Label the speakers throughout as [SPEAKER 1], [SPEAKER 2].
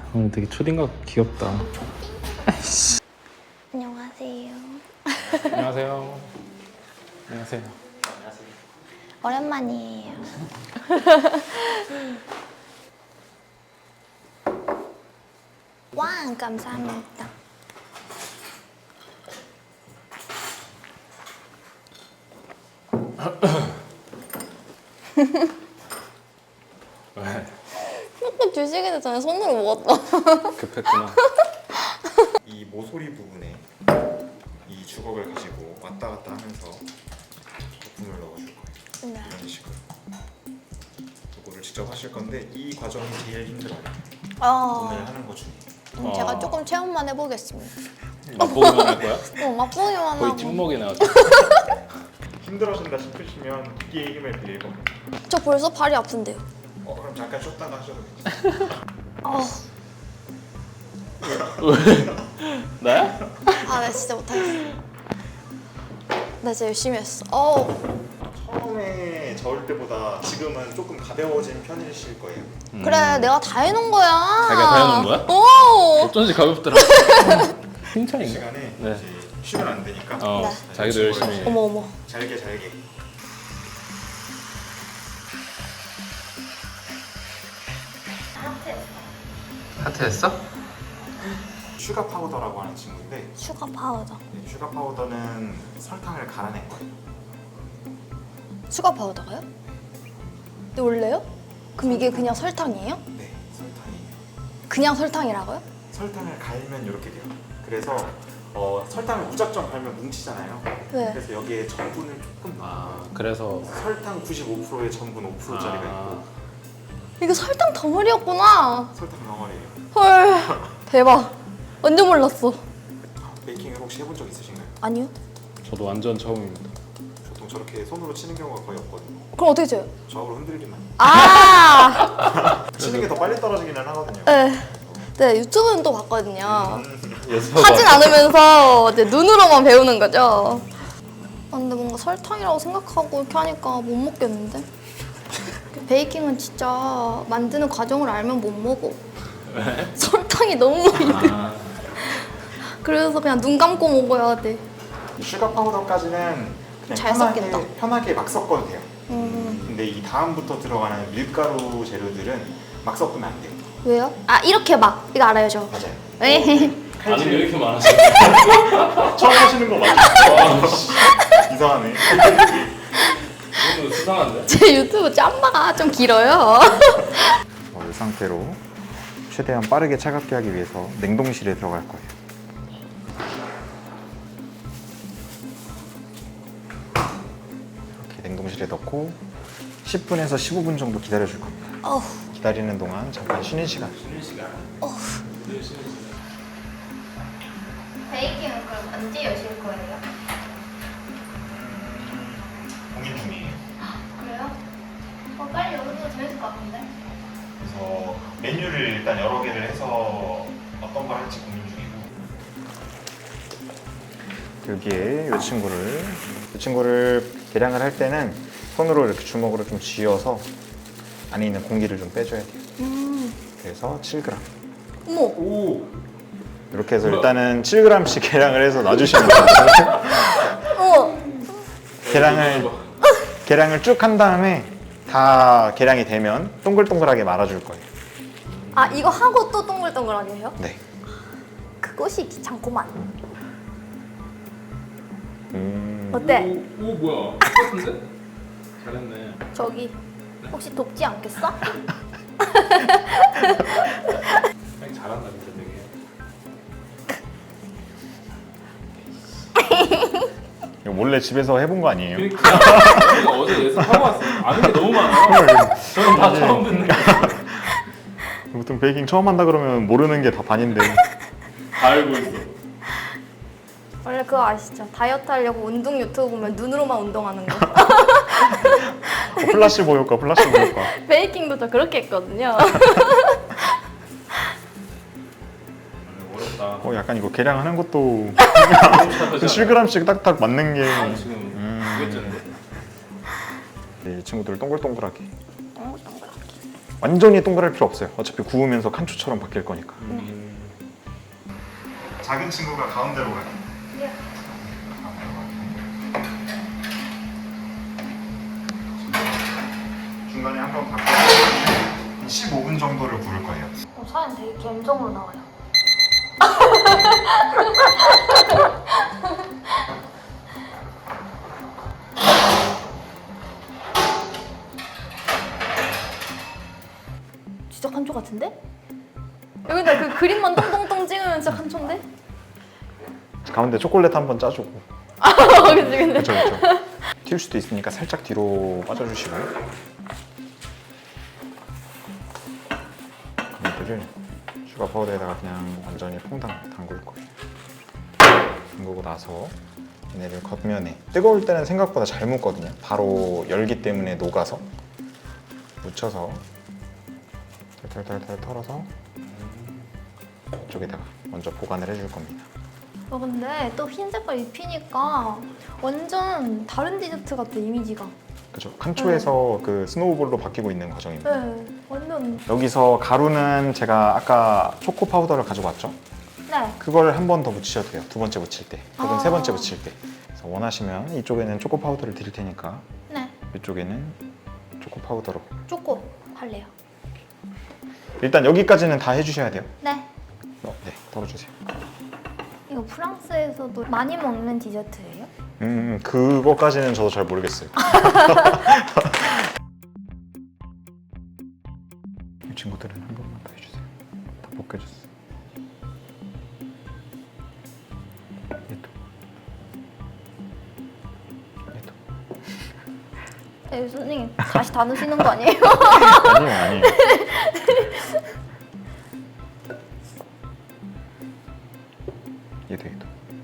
[SPEAKER 1] 오늘 되게 초딩각 귀엽다.
[SPEAKER 2] 안녕하세요.
[SPEAKER 1] 안녕하세요. 안녕하세요.
[SPEAKER 2] 오랜만이에요. 와, 감사합니다.
[SPEAKER 1] 왜?
[SPEAKER 2] 조금 주시기 전에 손으로 먹었다.
[SPEAKER 1] 급했구나.
[SPEAKER 3] 이 모서리 부분에 이 주걱을 가지고 왔다 갔다 하면서 거품을 넣어줄 거예요.
[SPEAKER 2] 네.
[SPEAKER 3] 이런 식으로. 이거를 직접 하실 건데 이 과정이 제일 힘들어요. 오늘 하는 것 중에.
[SPEAKER 2] 제가 조금 체험만 해보겠습니다.
[SPEAKER 1] 맛보기만 할 거야?
[SPEAKER 2] 맛보기만
[SPEAKER 1] 거의
[SPEAKER 2] 하고.
[SPEAKER 1] 찍먹이 나왔어.
[SPEAKER 3] 힘들어진다 싶으시면 기계의 힘을 빌릴 겁니다.
[SPEAKER 2] 저 벌써 발이 아픈데요.
[SPEAKER 3] 그럼 잠깐 쉬었다가 하셔도 돼요.
[SPEAKER 1] 나야?
[SPEAKER 2] 아, 나 진짜 못하겠어. 나 진짜 열심히 했어.
[SPEAKER 3] 처음에 저을 때보다 지금은 조금 가벼워진 편이실 거예요.
[SPEAKER 2] 그래, 내가 다 해놓은 거야.
[SPEAKER 1] 자기가 다 해놓은 거야?
[SPEAKER 2] 오!
[SPEAKER 1] 어쩐지 가볍더라. 칭찬인가?
[SPEAKER 3] 시간에
[SPEAKER 1] 네.
[SPEAKER 3] 이제 쉬면 안 되니까
[SPEAKER 2] 네.
[SPEAKER 1] 자기도 열심히 해.
[SPEAKER 2] 어머.
[SPEAKER 3] 잘게
[SPEAKER 1] 하트했어?
[SPEAKER 3] 슈가 파우더라고 하는 친구인데
[SPEAKER 2] 슈가 파우더.
[SPEAKER 3] 슈가 파우더는 설탕을 갈아낸 거예요.
[SPEAKER 2] 슈가 파우더가요? 근데 원래요? 그럼 이게 그냥 설탕이에요?
[SPEAKER 3] 네, 설탕이에요.
[SPEAKER 2] 그냥 설탕이라고요?
[SPEAKER 3] 설탕을 갈면 이렇게 돼요. 그래서 설탕을 무작정 갈면 뭉치잖아요.
[SPEAKER 2] 네.
[SPEAKER 3] 그래서 여기에 전분을 조금 넣어요.
[SPEAKER 1] 그래서
[SPEAKER 3] 설탕 95%에 전분 5%짜리가 있고
[SPEAKER 2] 이거 설탕 덩어리였구나.
[SPEAKER 3] 설탕 덩어리예요.
[SPEAKER 2] 헐, 대박. 완전 몰랐어.
[SPEAKER 3] 베이킹을 혹시 해본 적 있으신가요?
[SPEAKER 2] 아니요?
[SPEAKER 1] 저도 완전 처음입니다.
[SPEAKER 3] 보통 저렇게 손으로 치는 경우가 거의 없거든요.
[SPEAKER 2] 그럼 어떻게 쳐요?
[SPEAKER 3] 좌우로 흔들기만.
[SPEAKER 2] 아!
[SPEAKER 3] 치는 게 더 빨리 떨어지기는 하거든요.
[SPEAKER 2] 네, 유튜브는 또 봤거든요.
[SPEAKER 1] 예습하고
[SPEAKER 2] 하진 않으면서 이제 눈으로만 배우는 거죠. 근데 뭔가 설탕이라고 생각하고 이렇게 하니까 못 먹겠는데? 베이킹은 진짜 만드는 과정을 알면 못 먹어.
[SPEAKER 1] 왜?
[SPEAKER 2] 설탕이 너무 많이 돼. 그래서 그냥 눈 감고 먹어야 돼.
[SPEAKER 3] 슈가 파우더까지는 그냥
[SPEAKER 2] 잘 섞겠다.
[SPEAKER 3] 편하게 막 섞어도 돼요.
[SPEAKER 2] 음,
[SPEAKER 3] 근데 이 다음부터 들어가는 밀가루 재료들은 막 섞으면 안 돼요.
[SPEAKER 2] 왜요? 아, 이렇게 막. 이거 알아요, 저.
[SPEAKER 3] 맞아요.
[SPEAKER 2] 에이.
[SPEAKER 1] 아는 게 왜 이렇게 많았어?
[SPEAKER 3] 처음 하시는 거 맞죠? 이상하네.
[SPEAKER 1] 이거 수상한데?
[SPEAKER 2] 제 유튜브 짬바가 좀 길어요.
[SPEAKER 3] 이 상태로 최대한 빠르게 차갑게 하기 위해서 냉동실에 들어갈 거예요. 이렇게 냉동실에 넣고 10분에서 15분 정도 기다려줄 겁니다.
[SPEAKER 2] 어후.
[SPEAKER 3] 기다리는 동안 잠깐 쉬는 시간.
[SPEAKER 1] 쉬는 시간. 늘 쉬는 시간.
[SPEAKER 2] 베이킹은 그럼 언제 여실 거예요?
[SPEAKER 3] 공인 중이에요.
[SPEAKER 2] 그래요? 빨리 여기도 재밌을 것 같은데?
[SPEAKER 3] 그래서 메뉴를 일단 여러 개를 해서 어떤 걸 할지 고민 중이고 여기에 이 친구를 계량을 할 때는 손으로 이렇게 주먹으로 좀 쥐어서 안에 있는 공기를 좀 빼줘야 돼요. 그래서 7g
[SPEAKER 2] 어머.
[SPEAKER 1] 오!
[SPEAKER 3] 이렇게 해서 일단은 7g씩 계량을 해서 놔주시면 돼요.
[SPEAKER 2] 어머.
[SPEAKER 3] 계량을 쭉 한 다음에 다 계량이 되면 동글동글하게 말아줄 거예요.
[SPEAKER 2] 아, 이거 하고 또 동글동글하게 해요?
[SPEAKER 3] 네.
[SPEAKER 2] 그것이 귀찮구만. 어때?
[SPEAKER 1] 오 뭐야? 똑같은데? 잘했네.
[SPEAKER 2] 저기 혹시 돕지 않겠어?
[SPEAKER 1] 형 잘한다 진짜 되게.
[SPEAKER 3] 이거 몰래 집에서 해본 거 아니에요?
[SPEAKER 1] 그러니까 내가 어제 예습하고 왔어. 아는 게 너무 많아. 저는 다 처음 듣는 거.
[SPEAKER 3] 보통 베이킹 처음 한다 그러면 모르는 게 다 반인데
[SPEAKER 1] 다 알고 있어.
[SPEAKER 2] 원래 그거 아시죠? 다이어트 하려고 운동 유튜브 보면 눈으로만 운동하는 거.
[SPEAKER 3] 플라시보 효과.
[SPEAKER 2] 베이킹도 저 그렇게 했거든요.
[SPEAKER 1] 어렵다.
[SPEAKER 3] 약간 이거 계량하는 것도 7g씩 딱딱 맞는 게
[SPEAKER 1] 지금 두개째인데.
[SPEAKER 3] 이 친구들 동글동글하게 완전히 동그랄 필요 없어요. 어차피 구우면서 칸초처럼 바뀔 거니까. 작은 친구가 가운데로 가요.
[SPEAKER 2] 예.
[SPEAKER 3] 중간에 한 번 바꿔서 15분 정도를 구울 거예요.
[SPEAKER 2] 사진 되게 감정으로 나와요. 진짜 칸초 같은데? 여기다 그 그림만 똥똥똥 찍으면 진짜 칸초인데?
[SPEAKER 3] 가운데 초콜릿 한 번 짜주고.
[SPEAKER 2] 그치 근데
[SPEAKER 3] 그쵸. 튈 수도 있으니까 살짝 뒤로 빠져주시고. 얘들을 슈가 파우더에다가 그냥 완전히 퐁당 담글 거예요. 담그고 나서 얘네를 겉면에 뜨거울 때는 생각보다 잘 묻거든요. 바로 열기 때문에 녹아서 묻혀서 탈탈탈탈 털어서 이쪽에다가 먼저 보관을 해줄 겁니다.
[SPEAKER 2] 근데 또 흰 색깔 입히니까 완전 다른 디저트 같아 이미지가.
[SPEAKER 3] 그죠? 칸초에서 그 스노우볼로 바뀌고 있는 과정입니다.
[SPEAKER 2] 네 완전.
[SPEAKER 3] 여기서 가루는 제가 아까 초코 파우더를 가지고 왔죠?
[SPEAKER 2] 네.
[SPEAKER 3] 그걸 한 번 더 묻히셔도 돼요. 두 번째 묻힐 때 혹은
[SPEAKER 2] 아.
[SPEAKER 3] 세 번째 묻힐 때. 그래서 원하시면 이쪽에는 초코 파우더를 드릴 테니까
[SPEAKER 2] 네.
[SPEAKER 3] 이쪽에는 초코 파우더로.
[SPEAKER 2] 초코 할래요.
[SPEAKER 3] 일단 여기까지는 다 해주셔야 돼요.
[SPEAKER 2] 네.
[SPEAKER 3] 네, 덜어주세요.
[SPEAKER 2] 이거 프랑스에서도 많이 먹는 디저트예요?
[SPEAKER 3] 그거까지는 저도 잘 모르겠어요. 이 친구들은 한 번만 더 해주세요. 다 벗겨졌어. 얘도.
[SPEAKER 2] 네, 선생님 다시 다 넣으시는 거 아니에요?
[SPEAKER 3] 아니에요. 얘도.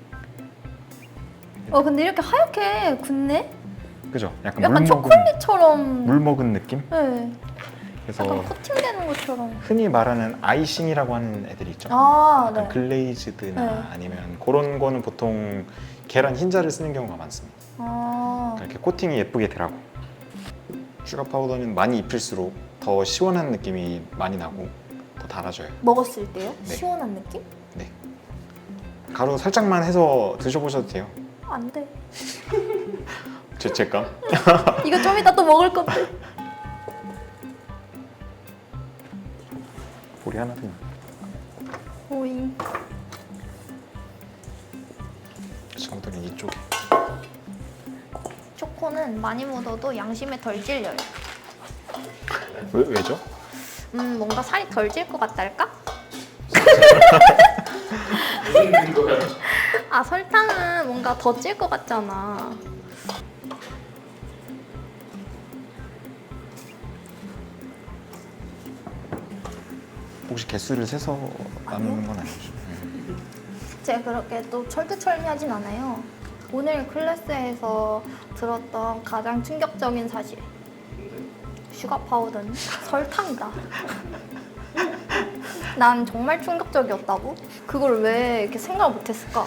[SPEAKER 2] 근데 이렇게 하얗게 굳네?
[SPEAKER 3] 그죠? 약간
[SPEAKER 2] 약간 초콜릿처럼.
[SPEAKER 3] 물 먹은 느낌?
[SPEAKER 2] 네.
[SPEAKER 3] 그래서
[SPEAKER 2] 약간 코팅되는 것처럼.
[SPEAKER 3] 흔히 말하는 아이싱이라고 하는 애들이 있죠.
[SPEAKER 2] 아,
[SPEAKER 3] 약간
[SPEAKER 2] 네.
[SPEAKER 3] 글레이즈드나
[SPEAKER 2] 네.
[SPEAKER 3] 아니면 그런 거는 보통 계란 흰자를 쓰는 경우가 많습니다.
[SPEAKER 2] 아,
[SPEAKER 3] 이렇게 코팅이 예쁘게 되라고. 슈가 파우더는 많이 입힐수록 더 시원한 느낌이 많이 나고 더 달아져요.
[SPEAKER 2] 먹었을 때요?
[SPEAKER 3] 네.
[SPEAKER 2] 시원한 느낌?
[SPEAKER 3] 네. 가루 살짝만 해서 드셔보셔도 돼요.
[SPEAKER 2] 안 돼.
[SPEAKER 3] 죄책감.
[SPEAKER 2] 이거 좀 이따 또 먹을 건데.
[SPEAKER 3] 볼이 하나 더 있네.
[SPEAKER 2] 오잉.
[SPEAKER 3] 친구들은 이쪽에.
[SPEAKER 2] 초코는 많이 묻어도 양심에 덜 찔려요.
[SPEAKER 3] 왜죠?
[SPEAKER 2] 뭔가 살이 덜 찔 것 같달까?
[SPEAKER 1] 무슨 근거야?
[SPEAKER 2] 아, 설탕은 뭔가 더 찔 것 같잖아.
[SPEAKER 3] 혹시 개수를 세서 나누는 건 아니죠?
[SPEAKER 2] 제가 그렇게 또 철두철미하진 않아요. 오늘 클래스에서 들었던 가장 충격적인 사실. 슈가 파우더는 설탕이다. 난 정말 충격적이었다고? 그걸 왜 이렇게 생각을 못했을까?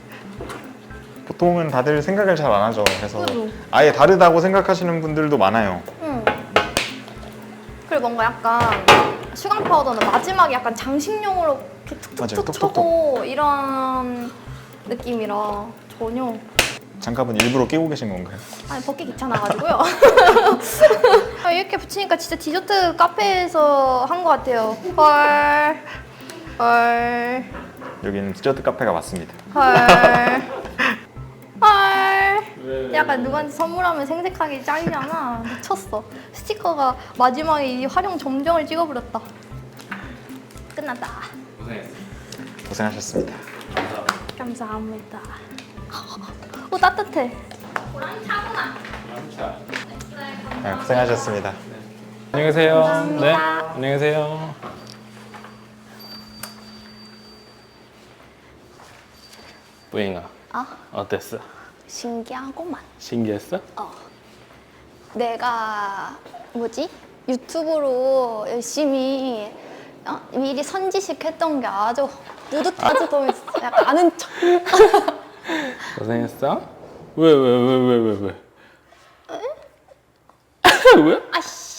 [SPEAKER 3] 보통은 다들 생각을 잘 안 하죠. 그래서
[SPEAKER 2] 그죠.
[SPEAKER 3] 아예 다르다고 생각하시는 분들도 많아요.
[SPEAKER 2] 응. 그리고 뭔가 약간 슈가 파우더는 마지막에 약간 장식용으로 이렇게
[SPEAKER 3] 맞아요.
[SPEAKER 2] 툭툭툭
[SPEAKER 3] 톡톡톡.
[SPEAKER 2] 쳐고 이런 느낌이라 전혀.
[SPEAKER 3] 장갑은 일부러 끼고 계신 건가요?
[SPEAKER 2] 아니 벗기 귀찮아가지고요. 아, 이렇게 붙이니까 진짜 디저트 카페에서 한 것 같아요. 헐. 헐.
[SPEAKER 3] 여기는 디저트 카페가 맞습니다.
[SPEAKER 2] 헐. 헐.
[SPEAKER 1] 왜?
[SPEAKER 2] 약간 누구한테 선물하면 생색하기 짱이잖아. 미쳤어. 스티커가 마지막에 이 활용 점정을 찍어버렸다. 끝났다.
[SPEAKER 1] 고생했어.
[SPEAKER 3] 고생하셨습니다.
[SPEAKER 2] 감사합니다. 오 따뜻해. 고랑이 차구나.
[SPEAKER 1] 자,
[SPEAKER 3] 네, 고생하셨습니다.
[SPEAKER 1] 안녕히 계세요.
[SPEAKER 2] 감사합니다.
[SPEAKER 1] 네, 안녕히 계세요. 뿌잉아, 어땠어?
[SPEAKER 2] 신기하고만.
[SPEAKER 1] 신기했어?
[SPEAKER 2] 내가 유튜브로 열심히 미리 선지식 했던 게 아주 뿌듯하지 더 약간 아는 척.
[SPEAKER 1] 고생했어? 왜? 왜?
[SPEAKER 2] 아씨.